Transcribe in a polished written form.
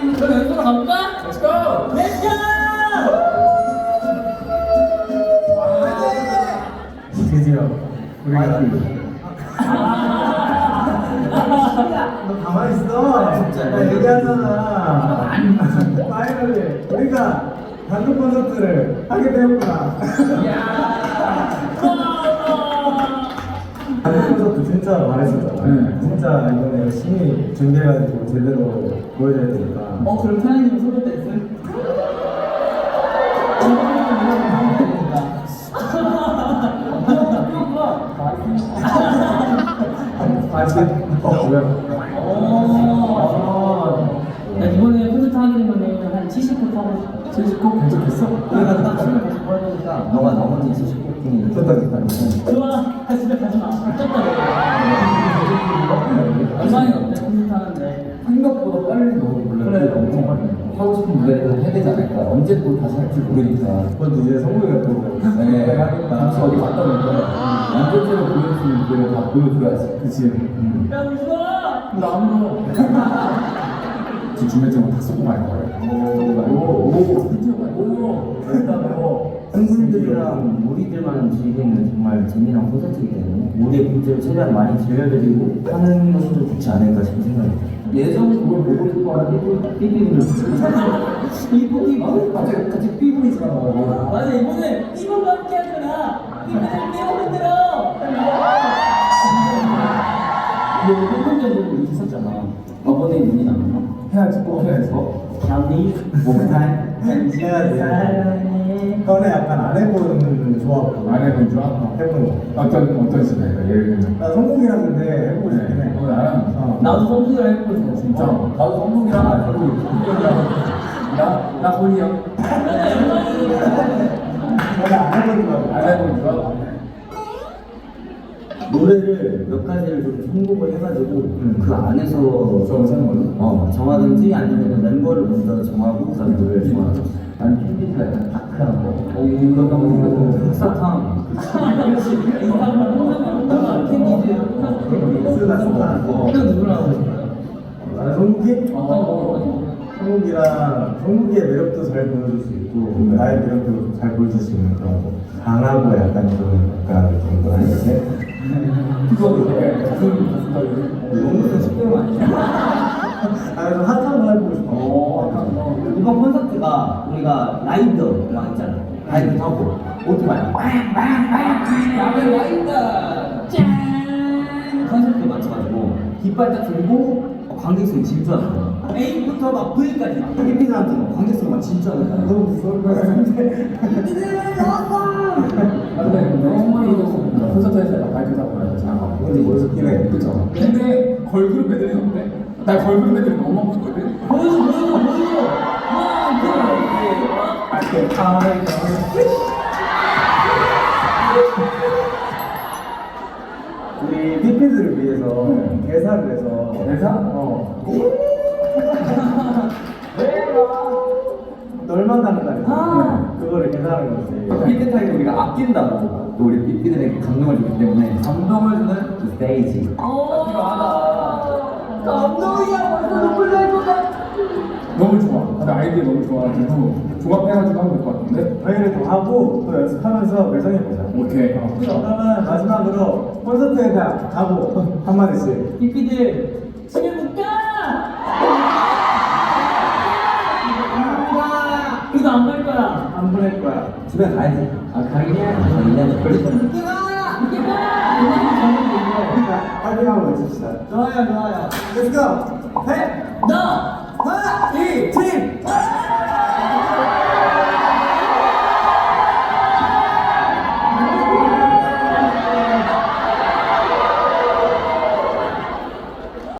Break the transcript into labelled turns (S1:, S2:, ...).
S1: 그럼 연습으로 가볼까?
S2: Let's go!
S1: Let's go!
S3: 드디어 우리가 너 가만히 있어.
S2: 진짜.
S3: 나 얘기하잖아. 파이널리 우리가 단독 콘서트를 하게 되었구나. 단독 콘서트 진짜 말했었잖아. 진짜 이번에 열심히 준비해가지고 제대로 보여줘야 되니까.
S1: 그럼 태양님은 소개 댄스?
S3: 뭐야?
S1: 나 이번에 콘서트 하게 되면은 한 70곡 하고
S3: 70곡 괜찮겠어?
S2: 우리가 딱 춤을 계속 보여야 되니까 너가 나머지 70곡이
S3: 좋다.
S1: 좋아. 집에 가지 마. 쪘다 얼마나 어때? 콘서트 하는데
S2: 생각보다 빨리 너무 몰라.
S1: 그래.
S2: 엄청 빨리. 하고 싶은 무대를 해야 되지 않을까. 언제 또 다시 할지 모르니까.
S3: 그것도 이제 성공이가 또
S2: 네. 잠시 어디 갔다 오니까 완전체로 보여줄 수 있는 무대를 다 보여줘야지.
S3: 그치.
S1: 야 무서워.
S2: 나안 울어. 지금 준비증은 다 쓰고 말 거예요. 팬분들이랑 우리들만 즐기는 정말 재미난 콘서트이기 때문에 우리의 분들을 최대한 많이 들려드리고 하는 것도 좋지 않을까 싶은 생각이 들어요. 예전 그걸 보고 싶어하는 삐삐분들 같이 삐부리잖아.
S1: 맞아 이번에 삐부과 함께 하잖아. 삐부들 삐부 흔들어. 너 팬분들도 있었잖아. 아버님 눈이 나왔나?
S3: 해야지 꼭 해야지.
S1: 나니
S2: 목타임
S3: 해야지. 너네 약간 안 해보는 조합.
S4: 안 해본 줄 알아?
S3: 해보는 거.
S4: 어떤 시대가 예를 들면
S3: 나 성공이랑 근데 해보고 싶긴 해.
S4: 나랑
S1: 나도 성수를 해보고 있어 진짜.
S4: 나도 성동이랑 알고 나 혼이 형.
S3: 너네 안 해보는 거.
S4: 안 해본 줄 알아?
S2: 노래를 몇 가지를 좀 선곡을 해가지고 그 안에서
S4: 정하는 걸로?
S2: 정하든지 아니면 멤버를 먼저 정하고 그다음 노래를 정하고 나는 팬미가 약간 다크한 거 그런 거 흑사탕
S1: 이거 누구랑 하고 싶어?
S3: 나는 성국이? 성국이랑 성국이의 매력도 잘 보여줄 수 있고 나의 매력도 잘 보여줄 수 있는 그런 거. 강하고 약간 좀 약간 정도 아니지?
S2: 너무 쉽게는 아니야.
S3: 좀 핫한 거 해보고 싶어.
S2: 이번 콘서트가 우리가 라이더 막 있잖아. 라이더 타고 오토바이 빵빵빵 라이더 짠 컨셉에 맞춰가지고 깃발 딱 들고 관객석이 질주하는 거야. A부터 막 V까지 필리핀한테 막 관객석이 막 질주하는 거야.
S3: 너무 무서울 것 같은데.
S4: 근데 너무 콘서트에서 발표하고 나서 잘하고
S3: 근데 멋있긴 해.
S4: 그쵸? 근데 걸그룹 애들이 없네? 나 걸그룹 애들이 너무 하고 싶거든?
S1: 보여줘.
S3: 우리 피피들을 위해서 대사를 해서
S4: 대사?
S3: 널 만나는 날이야. 그거를 계산하는 거지.
S2: 삐끗하게 우리가 아낀다고 또 우리 삐삐들에게 감동을 주기 때문에 감동을 주는 그 스테이지.
S1: 감동이야 벌써 눈물 날 것 같아.
S4: 너무 좋아. 근데 아이디어 너무 좋아가지고 종합해가지고 하면 될 것 같은데?
S3: 저희를 또 하고 또 연습하면서 매정해보자.
S4: 오케이.
S3: 그러면 마지막으로 콘서트에 가고 한마디씩.
S1: 삐삐들 집에 못 가. 이거 안 갈 거야.
S3: 안 보낼 거야.
S2: 집에 가야지. 가긴 해야지. 가긴 걸릴 거야.
S3: 파이팅하고 외칩시다.
S2: 좋아요.
S3: Let's go! 셋!
S1: 너!
S3: 하나! 이! 팀!